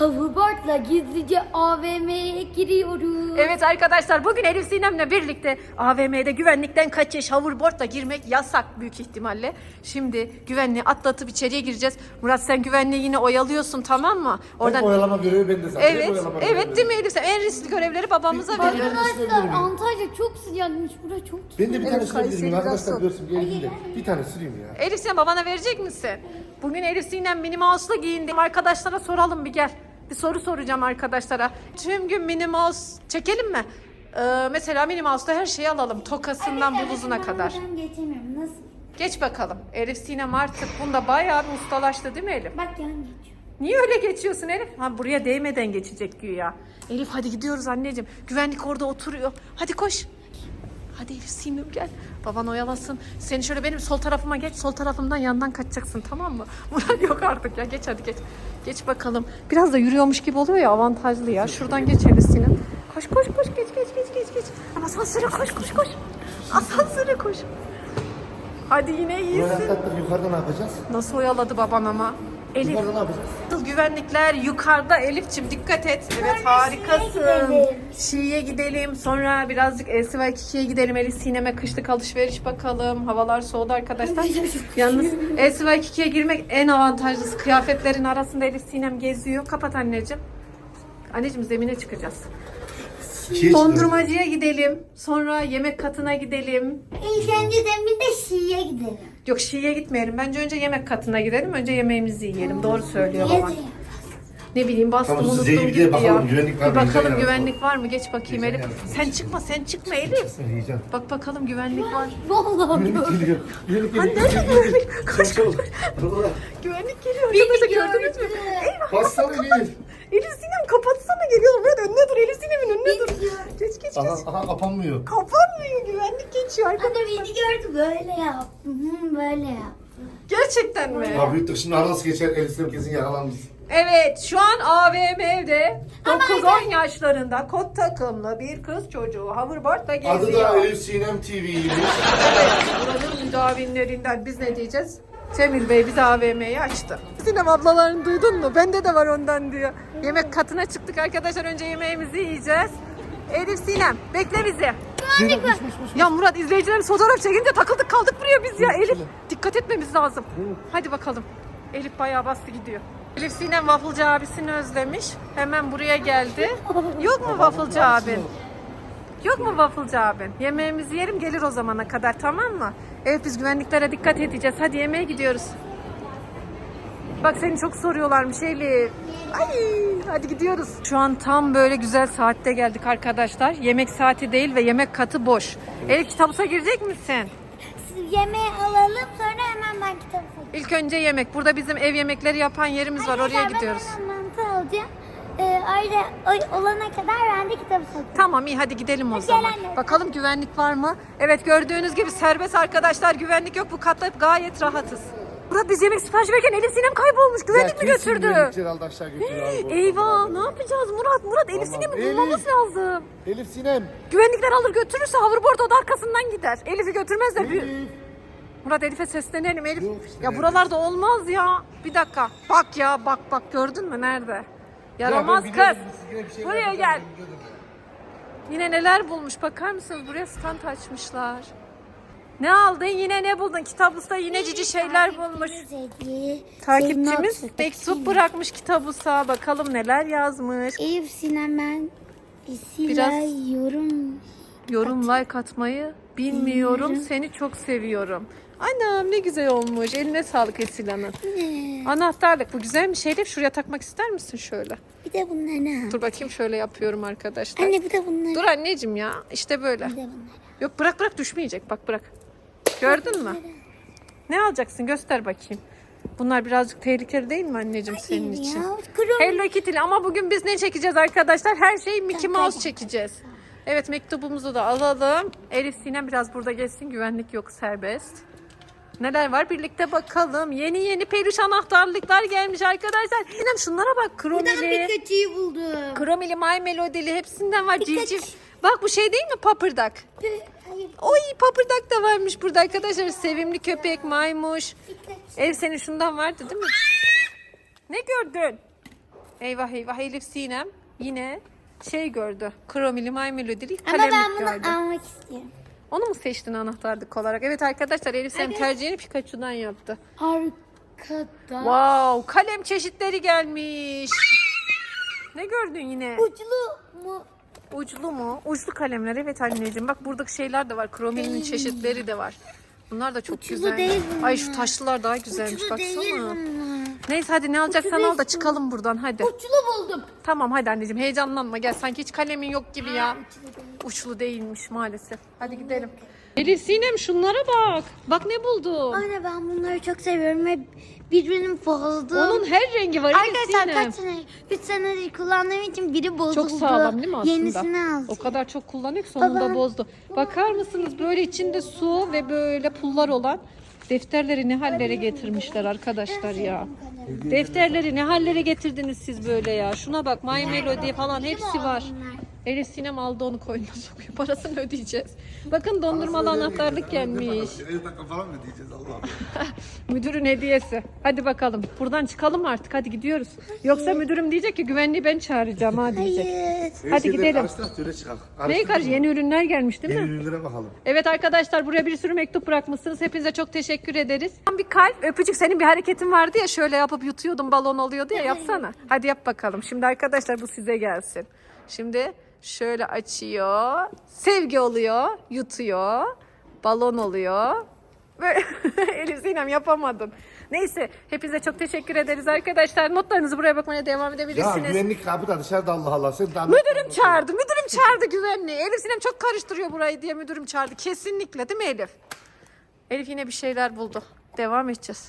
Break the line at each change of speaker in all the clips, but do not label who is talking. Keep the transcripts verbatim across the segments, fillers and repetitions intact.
hoverboardla gizlice A V M'ye giriyoruz.
Evet arkadaşlar, bugün Elif Sinem'le birlikte A V M'de güvenlikten kaçış, hoverboardla girmek yasak büyük ihtimalle. Şimdi güvenliği atlatıp içeriye gireceğiz. Murat, sen güvenliği yine oyalıyorsun, tamam mı?
Oradan... Hep oyalama görevi bende zaten.
Evet, evet değil mi Elif? Sen en riskli görevleri babamıza veriyorsun.
Arkadaşlar Antalya çok sıcakmış. Burası çok sıcak.
Ben de bir tane
Evet,
sürebilirim
Kayseri
arkadaşlar,
biraz
görsün gelin de. Bir tane süreyim ya.
Elif, sen babana verecek misin? Bugün Elif Sinem Minnie Mouse'la giyindim. Arkadaşlara soralım, bir gel. Bir soru soracağım arkadaşlara. Tüm gün Minnie Mouse çekelim mi? Ee, mesela Minnie Mouse'da her şeyi alalım. Tokasından bluzuna kadar.
Ben geçemiyorum. Nasıl?
Geç bakalım. Elif Sinem artık bunda bayağı bir ustalaştı değil mi Elif?
Bak yan geçiyor.
Niye öyle geçiyorsun Elif? Ha, buraya değmeden geçecek güya. Elif hadi gidiyoruz anneciğim. Güvenlik orada oturuyor. Hadi koş. Hadi Elif Sinem gel. Baban oyalasın. Seni şöyle benim sol tarafıma geç. Sol tarafımdan yandan kaçacaksın, tamam mı? Murat yok artık ya. Geç hadi geç. Geç bakalım. Biraz da yürüyormuş gibi oluyor ya, avantajlı ya. Şuradan geç Elif Sinem. Koş koş koş geç geç geç geç geç. Asansöre koş koş koş. Asansöre koş. Hadi yine
Buraya
iyisin.
atlattık, yukarıda ne yapacağız?
Nasıl oyaladı baban ama. Elif.
Yukarıda ne yapacağız?
Güvenlikler yukarıda Elif'ciğim, dikkat et. Evet,
Sonra
harikasın.
Şii'ye gidelim.
Şii'ye gidelim. Sonra birazcık L C Y ikiye gidelim. Elif Sinem'e kışlık alışveriş bakalım. Havalar soğudu arkadaşlar. Yalnız L C Y ikiye girmek en avantajlısı. Kıyafetlerin arasında Elif Sinem geziyor. Kapat anneciğim. Anneciğim, zemine çıkacağız.
İkiye
Dondurmacıya gidelim. Sonra yemek katına gidelim.
İlk önce de bir de Şii'ye gidelim.
Yok, Şii'ye gitmeyelim. Bence önce yemek katına gidelim. Önce yemeğimizi yiyelim. Doğru söylüyor
Niye
baban.
de-
Ne bileyim, bastım
Tamam, siz
unuttum
Zeynep'e
gitti
bakalım,
ya.
güvenlik var
Bir
mı?
bakalım
Yiyeceğim
güvenlik var mı? Geç bakayım Elif.
Yiyeceğim.
Sen çıkma, sen çıkma Elif.
Sen yiyeceksin.
Bak bakalım güvenlik var.
Vallahi
Güvenlik geliyor. Güvenlik
Anne,
geliyor.
nerede güvenlik? Koş,
Çabuk, çabuk.
Güvenlik geliyor arkadaşlar, gördünüz mü?
gördü.
Eyvah.
Bassana Elif.
Elif Sinem kapatsana, geliyor. Murat önüne dur, Elif Sinem'in önüne dur.
Geliyor.
Geç geç geç.
Aha, aha kapanmıyor.
Kapanmıyor, güvenlik geçiyor
Anne
arkadaşlar.
beni gördü böyle yaptı. Hı, böyle yaptı.
Gerçekten mi?
Ya büyüttük şimdi nasıl geçer, Elif Sinem kesin yakalanmış.
Evet, şu an A V M'de
Ama
dokuz on yaşlarında kot takımlı bir kız çocuğu hoverboardla geziyor.
Adı da Elif Sinem T V'ymiş.
Evet, buranın müdavimlerinden biz ne diyeceğiz? Cemil Bey bize A V M'yi açtı. Sinem ablalarını duydun mu? Bende de var ondan diyor. Yemek katına çıktık arkadaşlar. Önce yemeğimizi yiyeceğiz. Elif Sinem bekle bizi.
Zeynep kuş kuş kuş.
Ya Murat, izleyicilerimiz fotoğraf çekince takıldık kaldık buraya biz ya. Elif dikkat etmemiz lazım. Hadi bakalım. Elif bayağı bastı gidiyor. Elif Sinem wafflecı abisini özlemiş. Hemen buraya geldi. Yok mu wafflecı abin? Yok mu wafflecı abin? Yemeğimizi yerim, gelir o zamana kadar, tamam mı? Evet, biz güvenliklere dikkat edeceğiz. Hadi yemeğe gidiyoruz. Bak seni çok soruyorlarmış Elif. Ay, hadi gidiyoruz. Şu an tam böyle güzel saatte geldik arkadaşlar. Yemek saati değil ve yemek katı boş. Elif, kitabusa girecek misin?
Siz yemeği alalım sonra hemen ben kitap okuyayım.
İlk önce yemek. Burada bizim ev yemekleri yapan yerimiz var. Oraya gidiyoruz.
Ben hemen mantı alacağım. Ee, öyle o- olana kadar ben de kitap okuyayım.
Tamam, iyi, hadi gidelim o
Hadi
zaman.
gel anne.
Bakalım güvenlik var mı? Evet, gördüğünüz gibi serbest arkadaşlar. Güvenlik yok. Bu katta gayet rahatız. Murat, biz yemek sipariş verirken Elif Sinem kaybolmuş. Güvenlik mi götürdü?
Güvenlikçiler aldı aşağı götürüyor abi.
Eyvah, ne yapacağız Murat? Murat, Elif
Tamam.
Sinem'i
Elif.
bulmamız lazım.
Elif Sinem.
Güvenlikler alır götürürse hoverboard o da arkasından gider. Elif'i götürmezler.
Elif.
Murat, Elif'e seslenelim. Elif.
Yok işte,
Ya
nerede?
buralarda olmaz ya. Bir dakika. Bak ya, bak bak, gördün mü nerede? Yaramaz
Ya ben
kız.
biliyorum, siz yine bir şeyler
Buraya
yapacağım,
gel.
biliyordum ya.
Yine neler bulmuş, bakar mısınız? Buraya stand açmışlar. Ne aldın? Yine ne buldun? Kitapta yine cici şeyler bulmuş. Takipçimiz mektup bırakmış kitabusa. Bakalım neler yazmış.
Eyüp Sinem ben
Biraz-
Biraz yorum.
Yorum, like atmayı bilmiyorum. Seni çok seviyorum. Anam ne güzel olmuş. Eline sağlık Esila'nın. Anahtarlık. Bu güzelmiş Elif. Şuraya takmak ister misin şöyle?
Bir de bunlar ne?
Dur bakayım, şöyle yapıyorum arkadaşlar.
Anne bir de bunlar.
Dur anneciğim ya. İşte böyle.
Bir de bunlar.
Yok, bırak bırak, düşmeyecek. Bak bırak. Gördün mü? Ne alacaksın? Göster bakayım. Bunlar birazcık tehlikeli değil mi anneciğim senin için?
Ya, kurum.
Hello Kitty'li, ama bugün biz ne çekeceğiz arkadaşlar? Her şeyi Mickey Mouse çekeceğiz. Evet, mektubumuzu da alalım. Elif Sinem biraz burada geçsin. Güvenlik yok, serbest. Neler var birlikte bakalım. Yeni yeni peluş anahtarlıklar gelmiş arkadaşlar. Sinem şunlara bak. Kromili,
Pikachu'yu buldum.
Kromili, My Melody'li hepsinden var.
Pikachu.
Civciv. Bak bu şey değil mi? Papırdak.
Hayır.
Oy, papırdak da varmış burada arkadaşlar. Sevimli köpek, maymuş.
Pikachu.
Ev senin şundan vardı değil mi? Ne gördün? Eyvah eyvah Elif Sinem yine şey gördü. Kromili maymelodili
Ama
kalemlik
ben bunu
gördü.
almak istiyorum.
Onu mu seçtin anahtarlık olarak? Evet arkadaşlar Elif Sinem
Evet.
tercihini Pikachu'dan yaptı.
Arkada
Wow, kalem çeşitleri gelmiş. Ne gördün yine?
uçlu mu?
Uçlu mu? Uçlu kalemler evet anneciğim. Bak buradaki şeyler de var. Kromilinin
Değil.
çeşitleri de var. Bunlar da çok
Uçlu
güzel.
değil bunlar.
Ay şu taşlılar daha güzelmiş
Uçlu değil
baksana.
bunlar.
Neyse hadi ne alacaksan
Uçlu
al da
değil.
çıkalım buradan hadi.
Uçlu buldum.
Tamam hadi anneciğim heyecanlanma gel. Sanki hiç kalemin yok gibi ya.
Uçlu değil.
Uçlu değilmiş maalesef. Hadi gidelim. Elif Sinem şunlara bak. Bak ne buldum.
Anne ben bunları çok seviyorum ve birbirinin bozdu.
Onun her rengi var Elif
Arkadaşlar
Sinem.
kaç sene, üç senedir kullandığım için biri bozuldu.
Çok sağlam değil mi aslında?
Yenisini alacağım.
O kadar çok kullanıyor ki sonunda
Baba.
bozdu. Bakar mısınız böyle içinde su ve böyle pullar olan defterleri ne hallere getirmişler arkadaşlar ya. Defterleri ne hallere getirdiniz siz böyle ya. Şuna bak My Melody falan hepsi var. Elif Sinem aldı onu koynuna sokuyor. Parasını ödeyeceğiz. Bakın dondurmalı anahtarlık gelmiş.
elli dakika falan mı diyeceğiz Allah'ım?
Müdürün hediyesi. Hadi bakalım. Buradan çıkalım artık. Hadi gidiyoruz. Yoksa müdürüm diyecek ki güvenliği ben çağıracağım ha diyecek.
Hayır.
Hadi gidelim.
Karıştırak öyle çıkalım.
Neyi karış? Yeni ürünler gelmiş değil mi?
Yeni ürünlere bakalım.
Evet arkadaşlar buraya bir sürü mektup bırakmışsınız. Hepinize çok teşekkür ederiz. Bir kalp öpücük senin bir hareketin vardı ya şöyle yapıp yutuyordun balon oluyordu ya yapsana. Hadi yap bakalım. Şimdi arkadaşlar bu size gelsin. Şimdi şöyle açıyor. Sevgi oluyor. Yutuyor. Balon oluyor. Böyle Elif Sinem yapamadın. Neyse hepinize çok teşekkür ederiz arkadaşlar. Notlarınızı buraya bakmaya devam
Ya
edebilirsiniz.
güvenlik kapı da dışarıda Allah Allah. Sen daha
Müdürüm çağırdı. Müdürüm çağırdı güvenliği. Elif Sinem çok karıştırıyor burayı diye müdürüm çağırdı. Kesinlikle değil mi Elif? Elif yine bir şeyler buldu. Devam edeceğiz.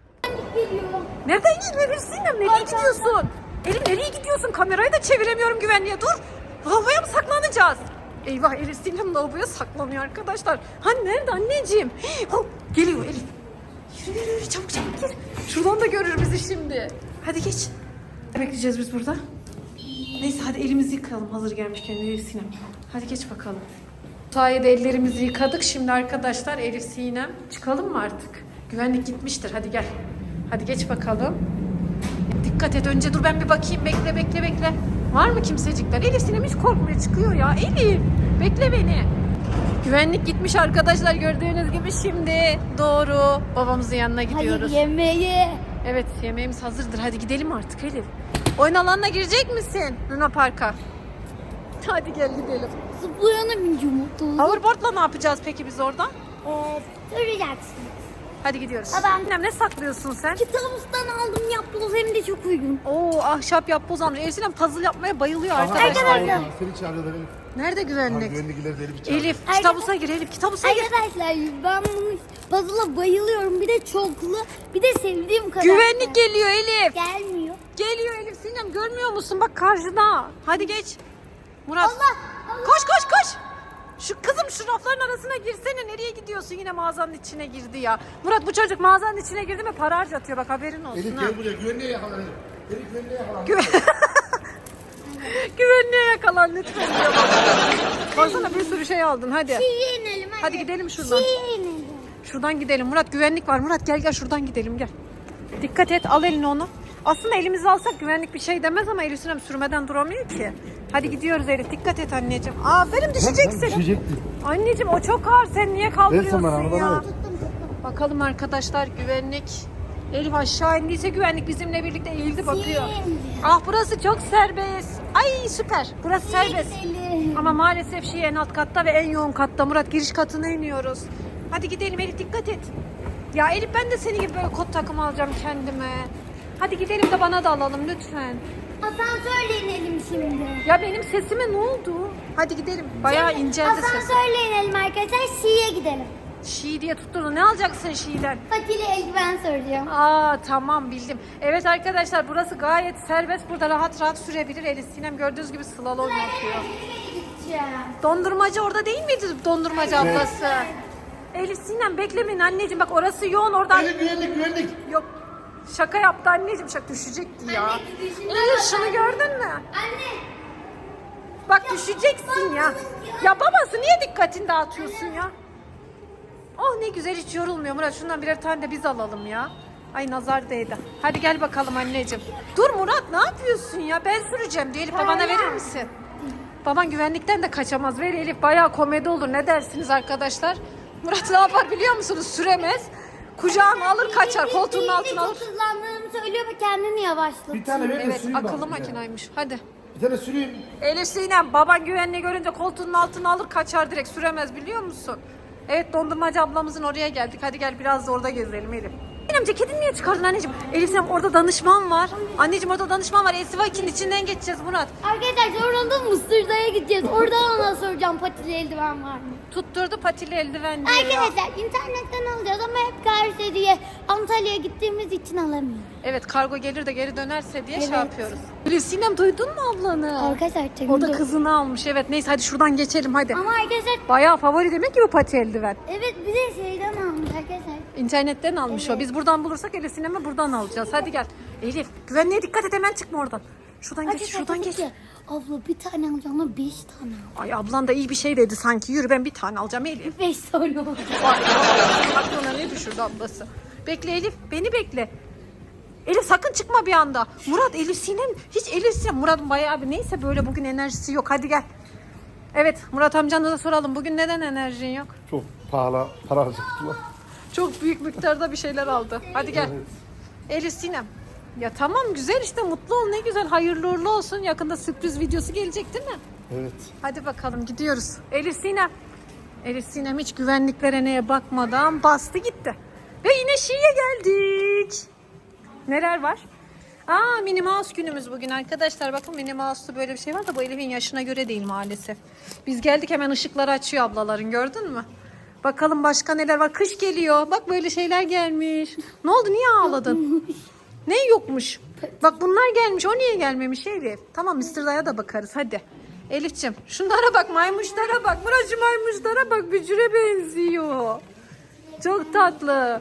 Nereden gidiyorsun Elif Sinem? Nereye gidiyorsun? Elif nereye gidiyorsun? Kamerayı da çeviremiyorum güvenliğe. Dur. Lavaboya mı saklanacağız? Eyvah Elif Sinem lavaboya saklanıyor arkadaşlar. Hani nerede anneciğim? Hii, hop, geliyor Elif. Yürü yürü yürü çabuk çabuk gir. Şuradan da görür bizi şimdi. Hadi geç. Bekleyeceğiz biz burada. Neyse hadi elimizi yıkayalım hazır gelmişken Elif Sinem. Hadi geç bakalım. Sayede ellerimizi yıkadık. Şimdi arkadaşlar Elif Sinem çıkalım mı artık? Güvenlik gitmiştir. Hadi gel. Hadi geç bakalım. Dikkat et önce dur ben bir bakayım. Bekle bekle bekle. Var mı kimsecikler? Elif Sinem hiç korkmuyor çıkıyor ya. Elif bekle beni. Güvenlik gitmiş arkadaşlar gördüğünüz gibi şimdi doğru babamızın yanına gidiyoruz.
Hayır yemeği.
Evet yemeğimiz hazırdır. Hadi gidelim artık Elif. Oyun alanına girecek misin Luna Park'a? Hadi gel gidelim.
Zıplayana bineceğim mutlu.
Hoverboard'la ne yapacağız peki biz orada?
Ee, duracaksın.
Hadi gidiyoruz.
Adam-
Sinem ne saklıyorsun sen?
Kitabımızdan aldım yapboz hem de çok uygun.
Oo ahşap yapboz almış. Elif Sinem puzzle yapmaya bayılıyor
Aha,
arkadaşlar.
Arkadaşlar.
Allah, Seni çağırıyorlar Elif.
Nerede
Ha,
güvenlik?
güvenlikler deli bir çağırıyor.
Elif
Arkadaş-
kitabusa gir Elif kitabusa gir.
Arkadaşlar ben bunu puzzle'a bayılıyorum. Bir de çoklu, bir de sevdiğim kadar.
Güvenlik geliyor Elif.
Gelmiyor.
Geliyor Elif Sinem görmüyor musun? Bak karşıda. Hadi geç. Murat.
Allah, Allah.
Koş koş koş. Şu kızım şu rafların arasına girsene. Nereye gidiyorsun? Yine mağazanın içine girdi ya. Murat bu çocuk mağazanın içine girdi mi para harcatıyor. Bak haberin olsun
Elif
ha.
gel buraya güvenliğe yakalan Elif. Elif güvenliğe yakalan.
Güven- Güvenliğe yakalan lütfen diyor bak. Baksana bir sürü şey aldın hadi.
Şiye inelim hadi.
Hadi gidelim şuradan.
Şiye inelim.
Şuradan gidelim. Murat güvenlik var. Murat gel gel şuradan gidelim gel. Dikkat et al elini onu. Aslında elimizi alsak güvenlik bir şey demez ama Elif Sinem sürmeden duramıyor ki. Hadi gidiyoruz Elif. Dikkat et anneciğim. Aferin düşeceksin.
Düşecektin.
Anneciğim o çok ağır. Sen niye kaldırıyorsun
Ver sen bana,
ya?
bana ver.
Bakalım arkadaşlar güvenlik. Elif aşağı indiyse güvenlik bizimle birlikte eğildi bakıyor. Ah burası çok serbest. Ay süper. Burası serbest.
İnelim.
Ama maalesef şey en alt katta ve en yoğun katta. Murat giriş katına iniyoruz. Hadi gidelim Elif dikkat et. Ya Elif ben de senin gibi böyle kot takımı alacağım kendime. Hadi gidelim de bana da alalım lütfen.
Asansörle inelim şimdi.
Ya benim sesime ne oldu? Hadi gidelim. Bayağı inceldi sesim.
Asansörle inelim arkadaşlar. Şiye gidelim.
Şii diye tutturdu. Ne alacaksın Şii'den?
Fatih'le eldiven soracağım.
Aa tamam bildim. Evet arkadaşlar burası gayet serbest. Burada rahat rahat sürebilir. Elif Sinem gördüğünüz gibi slalom yapıyor.
Gideceğim.
Dondurmacı orada değil miydi dondurmacı
Evet.
ablası? Elif Sinem beklemeyin anneciğim bak orası yoğun oradan.
Elif güvenlik güvenlik.
Yok şaka yaptı anneciğim şaka düşecekti ya.
Anne, düşüşünden
Elif
bak-
şunu gördün mü?
Anne.
Bak düşeceksin ya. Ya babası niye dikkatini dağıtıyorsun ya? Oh ne güzel hiç yorulmuyor Murat şundan birer tane de biz alalım ya. Ay nazar değdi. Hadi gel bakalım anneciğim. Dur Murat ne yapıyorsun ya? Ben süreceğim diye Elif babana verir misin? Baban güvenlikten de kaçamaz. Ver Elif, bayağı komedi olur. Ne dersiniz arkadaşlar? Murat ne yapar biliyor musunuz? Süremez. Kucağına alır kaçar. Koltuğun altına alır.
Çok hızlandığını söylüyor ve kendini yavaşlatıyor.
Bir tane ver de
Evet
süreyim
akıllı
bak bir tane.
makinaymış. Hadi.
Bir tane süreyim.
Elif Sinem baban güvenliği görünce koltuğunun altına alır kaçar direkt. Süremez biliyor musun? Evet dondurmacı ablamızın oraya geldik. Hadi gel biraz da orada gezelim Elif. Sinem ceketini niye çıkardın anneciğim? Elif Sinem orada danışman var. Anneciğim orada danışman var. Elsivaki'nin içinden geçeceğiz Murat.
Arkadaşlar orada Mısır'da'ya gideceğiz. Oradan ona soracağım patili eldiven var mı?
Tutturdu patili eldiven diyor.
Arkadaşlar internetten alacağız ama hep karşı diye Antalya'ya gittiğimiz için alamıyoruz.
Evet kargo gelir de geri dönerse diye şey
Evet.
yapıyoruz. Elif Sinem duydun mu ablanı?
Arkadaşlar
O da
çekimde-
kızını almış. Evet neyse hadi şuradan geçelim hadi.
Ama arkadaşlar
Bayağı favori demek ki bu pati eldiven.
evet bir de şeyden almış arkadaşlar.
İnternetten almış o. Biz buradan bulursak Elif Sinem'e buradan alacağız. Hadi gel. Elif güvenliğe dikkat et hemen çıkma oradan. Şuradan geç
Arkadaşlar
şuradan
dedi
geç.
ki, abla bir tane alacağım ama beş tane al.
Ay ablan da iyi bir şey dedi sanki. Yürü ben bir tane alacağım Elif.
Beş tane oldu.
Ay, aklına ne düşürdü ablası. Bekle Elif beni bekle. Elif sakın çıkma bir anda. Murat Elif Sinem hiç Elif Sinem. Murat'ın bayağı bir neyse böyle bugün enerjisi yok. Hadi gel. Evet Murat amcana da soralım. Bugün neden enerjin yok?
Çok pahalı para harcadılar.
Çok büyük miktarda bir şeyler aldı. Hadi gel.
Evet.
Elif Sinem. Ya tamam güzel işte mutlu ol ne güzel hayırlı uğurlu olsun. Yakında sürpriz videosu gelecek değil mi?
Evet.
Hadi bakalım gidiyoruz. Elif Sinem. Elif Sinem hiç güvenliklere neye bakmadan bastı gitti. Ve yine Şii'ye geldik. Neler var? Aa Minnie Mouse günümüz bugün arkadaşlar. Bakın Minnie Mouse'da böyle bir şey var da bu Elif'in yaşına göre değil maalesef. Biz geldik hemen ışıkları açıyor ablaların gördün mü? Bakalım başka neler var. Kış geliyor. Bak böyle şeyler gelmiş. Ne oldu niye ağladın? Ne yokmuş? Bak bunlar gelmiş. O niye gelmemiş Elif? Tamam mister Day'a da bakarız hadi. Elif'ciğim şunlara bak maymuşlara bak. Buracı maymuşlara bak bücüre benziyor. Çok tatlı.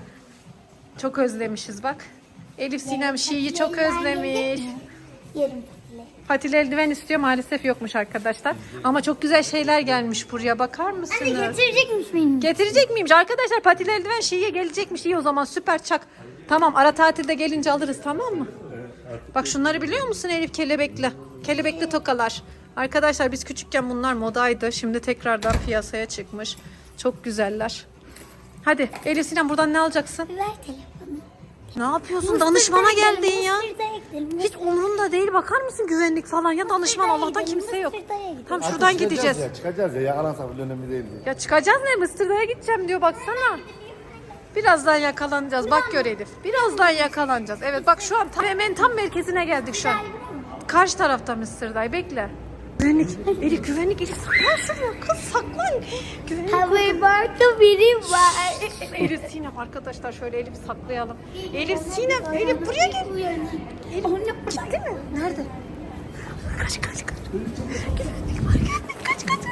Çok özlemişiz bak. Elif Sinem Şii'yi çok özlemiş.
Yerim patili.
Patili eldiven istiyor maalesef yokmuş arkadaşlar. Ama çok güzel şeyler gelmiş buraya bakar mısınız?
Anne getirecekmiş benim.
Getirecek miymiş? Arkadaşlar patili eldiven Şii'ye gelecekmiş. İyi o zaman süper çak. Tamam ara tatilde gelince alırız tamam mı? Bak şunları biliyor musun Elif kelebekli? Kelebekli tokalar. Arkadaşlar biz küçükken bunlar modaydı. Şimdi tekrardan piyasaya çıkmış. Çok güzeller. Hadi Elif Sinem buradan ne alacaksın?
Ver telefonu.
Ne yapıyorsun? Danışmana geldin ya.
Mısır'da'ya gidelim.
Hiç umurunda değil. Bakar mısın güvenlik falan ya danışman Allah'tan kimse yok.
Mısır'da'ya gidelim.
Tam
Artık
şuradan
çıkacağız
gideceğiz.
Ya, çıkacağız ya yakalansak bile önemli değildi.
Ya çıkacağız ne? Mısır'da'ya gideceğim diyor baksana. Birazdan yakalanacağız. Bak gör Elif. Birazdan yakalanacağız. Evet bak şu an tam, hemen tam merkezine geldik şu an. Karşı tarafta Mısır'day. Bekle. Güvenlik. Elif güvenlik. Elif saklan şuraya. Kız saklan. Güvenlik.
Haberbarkta biri var.
Elif Sinem arkadaşlar şöyle Elif saklayalım. Elif Sinem. Elif buraya gel. Elif gitti mi? Nerede? Kaç kaç kaç. Güvenlik var güvenlik. Kaç kaç.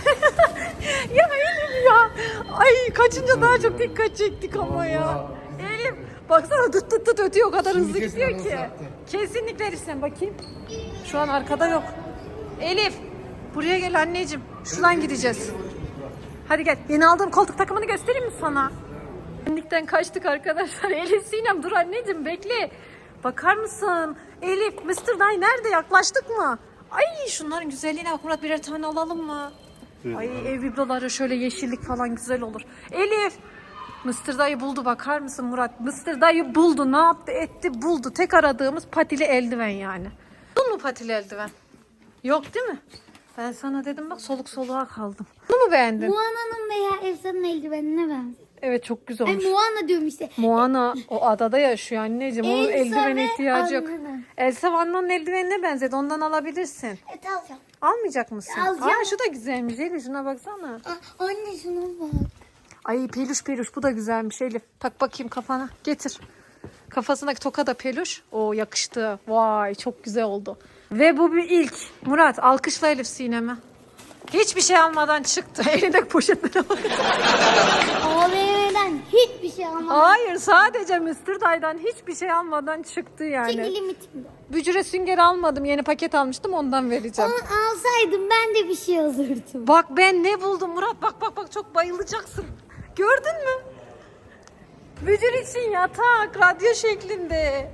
Ya Elif ya. Ay kaçınca daha çok dikkat çektik ama ya. Elif baksana tut tut tut ötüyor o kadar
Şimdi
hızlı
kesin
gidiyor
anons
ki.
yaptı.
Kesinlikle Elif sen bakayım. Şu an arkada yok. Elif buraya gel anneciğim. Şuradan gideceğiz. Hadi gel. Yeni aldığım koltuk takımını göstereyim mi sana? Güvenlikten kaçtık arkadaşlar. Elif Sinem dur anneciğim bekle. Bakar mısın? Elif mister Day nerede? Yaklaştık mı? Ay şunların güzelliğine bak Murat birer tane alalım mı? Ay ev bibloları şöyle yeşillik falan güzel olur. Elif mister Dayı buldu bakar mısın Murat? mister Dayı buldu ne yaptı etti buldu. Tek aradığımız patili eldiven yani. Buldun mu patili eldiven? Yok değil mi? Ben sana dedim bak soluk soluğa kaldım. Bunu mu beğendin?
Moana'nın veya Elsa'nın eldivenine benziyor.
Evet çok güzel
Ay
olmuş.
Moana diyorum işte.
Moana o adada yaşıyor anneciğim. Onun
Elsa
eldiven
ve
ihtiyacı yok.
Anna'nın.
Elsa ve Anna'nın eldivenine benzedi. Ondan alabilirsin.
Evet alacağım.
Almayacak mısın?
Alacağım.
Aa şu da güzelmiş. Elif şuna baksana.
Aa, anne şuna bak.
Ay peluş peluş bu da güzelmiş Elif. Tak bakayım kafana. Getir. Kafasındaki toka da peluş. O yakıştı. Vay çok güzel oldu. Ve bu bir ilk. Murat alkışla Elif Sinem'e. Hiçbir şey almadan çıktı. Elindeki poşetlere bak.
A V M'den hiçbir şey almadım.
Hayır sadece mister Day'dan hiçbir şey almadan çıktı yani.
Çünkü limitim yok.
Bücüre sünger almadım. Yeni paket almıştım ondan vereceğim.
Onu alsaydım ben de bir şey alırdım.
Bak ben ne buldum Murat. Bak bak bak çok bayılacaksın. Gördün mü? Bücür için yatak radyo şeklinde.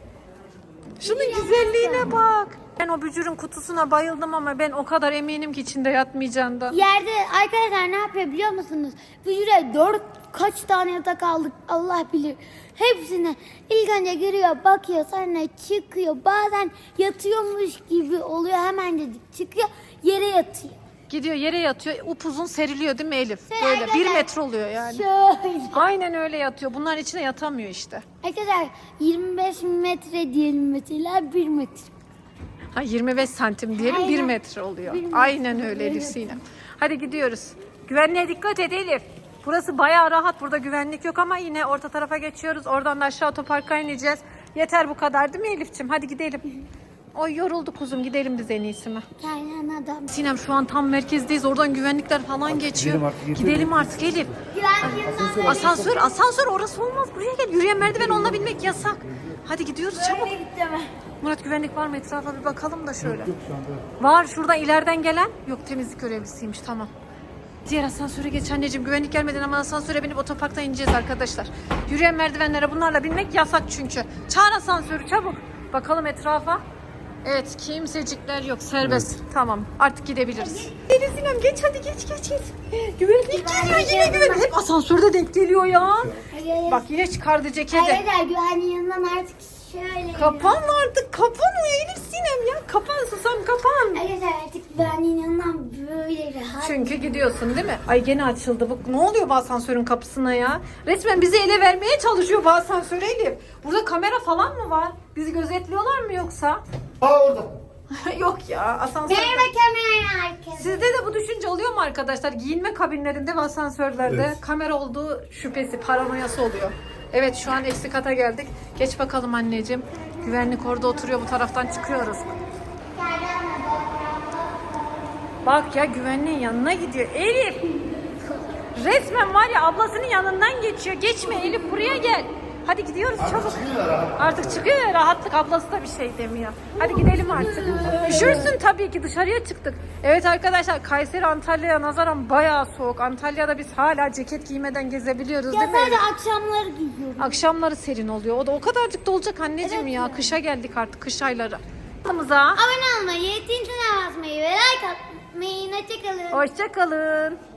Şunun güzelliğine bak. Ben o bücürün kutusuna bayıldım ama ben o kadar eminim ki içinde yatmayacağından.
Yerde arkadaşlar ne yapıyor biliyor musunuz? Bücüre dört kaç tane yatak aldık Allah bilir. Hepsine ilk önce giriyor bakıyor sonra çıkıyor. Bazen yatıyormuş gibi oluyor hemen dedik çıkıyor yere yatıyor.
Gidiyor yere yatıyor upuzun seriliyor değil mi Elif?
Şöyle
Böyle bir
arkadaşlar,
metre oluyor yani.
Şöyle.
Aynen öyle yatıyor. Bunların içine yatamıyor işte.
Arkadaşlar yirmi beş metre diyelim mesela bir metre.
Ha yirmi beş santim diyelim
Aynen.
bir metre oluyor.
Bir metre.
Aynen öyle Elif Sinem. Hadi gidiyoruz. Güvenliğe dikkat et Elif. Burası bayağı rahat. Burada güvenlik yok ama yine orta tarafa geçiyoruz. Oradan da aşağı otoparka ineceğiz. Yeter bu kadar değil mi Elif'ciğim? Hadi gidelim. Oy yoruldu kuzum. Gidelim biz en iyisi mi?
Aynen adam.
Sinem şu an tam merkezdeyiz. Oradan güvenlikler falan geçiyor.
gidelim artık, yeter.
Gidelim artık Elif.
Güvenliğinden
Asansör, asansör orası olmaz. Buraya gel. Yürüyen merdiven onunla binmek yasak. Hadi gidiyoruz çabuk.
böyle gittim.
Murat güvenlik var mı? Etrafa bir bakalım da şöyle.
Yok şu anda.
Var şuradan ileriden gelen. Yok temizlik görevlisiymiş tamam. Diğer asansöre geç anneciğim. Güvenlik gelmeden ama asansöre binip otoparkta ineceğiz arkadaşlar. Yürüyen merdivenlere bunlarla binmek yasak çünkü. Çağır asansörü çabuk. Bakalım etrafa. Evet kimsecikler yok serbest. Tamam artık gidebiliriz. Elif Sinem geç hadi geç geç geç. Güvenlik geliyor yine güvenlik. Hep asansörde denk geliyor ya.
Hayır.
Bak yine çıkardı ceketi.
Arkadaşlar güvenliğin yanından artık şöyle.
Kapan artık kapan o Elif Sinem ya. Kapan susam kapan.
Arkadaşlar artık güvenliğin yanından böyle rahat.
Çünkü gidiyorsun değil mi? Ay gene açıldı. Bu ne oluyor bu asansörün kapısına ya? Resmen bizi ele vermeye çalışıyor bu asansör Elif. Burada kamera falan mı var? Bizi gözetliyorlar mı yoksa?
Aa orada.
Yok ya asansör.
Merhaba kamera herkese.
Sizde de bu düşünce oluyor mu arkadaşlar? Giyinme kabinlerinde ve asansörlerde
Evet.
kamera olduğu şüphesi, paranoyası oluyor. Evet şu an eksi kata geldik. Geç bakalım anneciğim. Güvenlik orada oturuyor bu taraftan çıkıyoruz. Bak ya güvenliğin yanına gidiyor. Elif! Resmen var ya ablasının yanından geçiyor. Geçme Elif buraya gel. Hadi gidiyoruz çabuk. Artık çıkıyor ya rahatlık ablası da bir şey demiyor. Hadi gidelim artık. Üşürsün tabii ki dışarıya çıktık. Evet arkadaşlar Kayseri Antalya'ya nazaran bayağı soğuk. Antalya'da biz hala ceket giymeden gezebiliyoruz
Ya
değil mi?
sadece akşamları giyiyorum.
Akşamları serin oluyor. O da o kadarcık da olacak anneciğim
Evet
ya.
ya.
Kışa geldik artık kış ayları. Kanalımıza
Abone olmayı, tintine basmayı ve like atmayı. Hoşçakalın.
hoşça kalın.